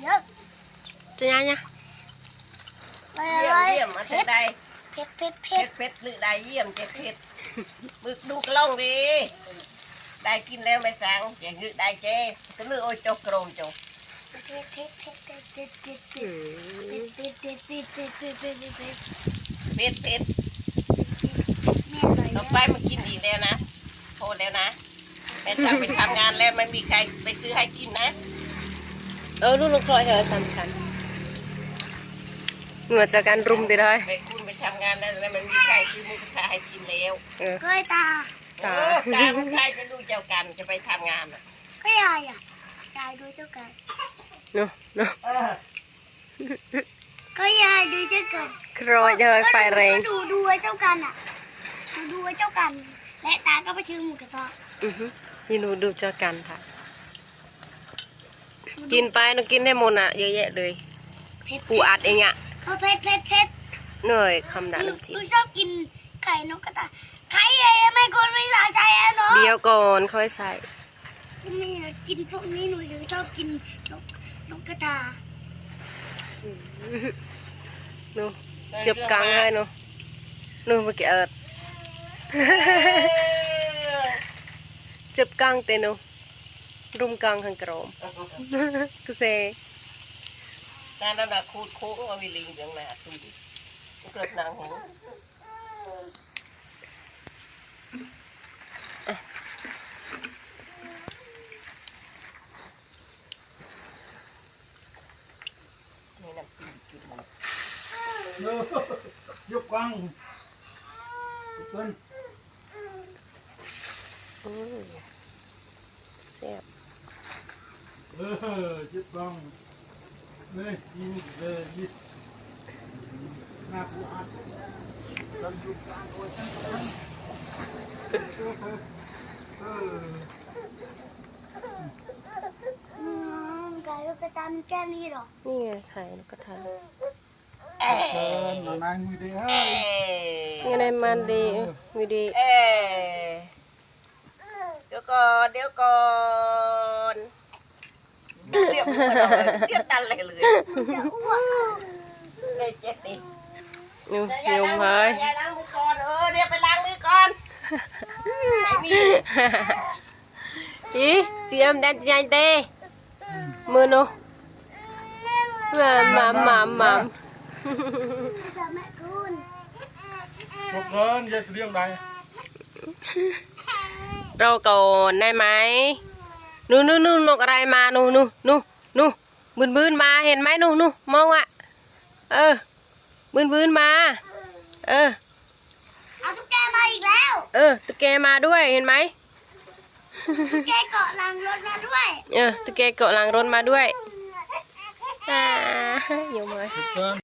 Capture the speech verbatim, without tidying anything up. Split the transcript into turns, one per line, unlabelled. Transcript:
เยอะ
จะยังยัง
เยี่ยมเยี่ยมมาเถอะได้
เผ็ดเผ็ดเผ็ด
เผ็ดหรือได้เยี่ยมเจ็บเผ็ดบึกดูกล้องดีได้กินแล้วไม่สั่งเจ็บหรือได้เจ๊ก็เลือกโอ้ยโจกโกรมโจก
เผ็ดเผ็ดเผ็ดเผ็ดเผ็ดเผ็ดเผ็ดเผ็ดเผ็ดเผ็ดเผ็ดเผ็ดเผ็ดเผ็ดเผ็ดเผ็ดเผ็ด
เผ็ดเผ็ดต่อไปมากินอีกแล้วนะโทษแล้วนะแม่สั่งไปทำงานแล้วไม่มีใครไปซื้อให้กินนะ
เออลูกลูกคอยเถอะสันสันเหงื่อจากการรุมตีได้
ไปคุณไปทำงานแล้วแล้วมันมีใครซื้อมุกตาให้กินแล้ว
เคยตา
ตาตาใครจะดูเจ้ากันจะไปทำงานอ่ะ
ก็ยายอ่ะยายดูเจ้ากัน
เนาะเนาะ
ก็ยายดูเจ้ากัน
ครอยเลยไฟแรง
ดูดูไอ้เจ้ากันอ่ะดูดูไอ้เจ้ากันและตาก็ไปชื่อหมูกระทะ
อือฮึยินดูดูเจ้ากันค่ะกินไปหนูกินได้หมดอ่ะเยอะแยะเลยปูอัดเองอ่ะ
เขาเผ็ดเผ็ดเผ็ด
เหนื่อยคำด่าน้ำจิ้ม
หนูชอบกินไข่นกกระทาไข่เอ๋ไม่คนไม่หลายใจอ่ะเนาะ
เดี๋ยวก่อนค่อยใส่
นี่กินพวกนี้หนูถึงชอบกินนกนกกระทา
หนูจับกังให้หนูหนูไปเกิดจับกังเตนูรุมกังขังกรมกุเซ
การนั่นน่ะคูดโค้งเอาวิลิงอย่างน่ะตุ้ยเกิดนางหูนี่น้ำจิ้มจุดมัน
ยกกังเกิน
แซ่บ
เออยกกังเลยยิงเลยยิงหน้าผู้อัดเราอยู่กลางโดยทั้งทั้งเออ
ไก่ลูกกระทาแค่นี้หรอ
นี่ไงไข่นกกระทา
เออนายมือดีเฮ้
ยยังไงมันดีมือดี
เอเดี๋ยวก่อนเดี๋ยวก่อนเรียบร้อยเรียบตันเลยเลย
จะอ้วก
เลยเจ็บดิ
ยุ่งยุ่งเลย
อย่าล้างมือก่อนเออเดี๋ยวไปล้างมือก่อน
อีเสียมแดนใหญ่เต้มือหนูมามามามา
จะแม่คุณ
พวกเกินจะเรียงใด
เราก่อนได้ไหมนู่นนู่นนู่นนกอะไรมานู่นนู่นนู่นนู่นบืนบืนมาเห็นไหมนู่นนู่นมองอ่ะเออบืนบืนมาเออ
เอาตุ๊กแกมาอีกแล้ว
เออตุ๊กแกมาด้วยเห็นไหม
ตุ๊กแกเกาะหลังรถมาด้วย
เออตุ๊กแกเกาะหลังรถมาด้วยอ่าอยู่ไหม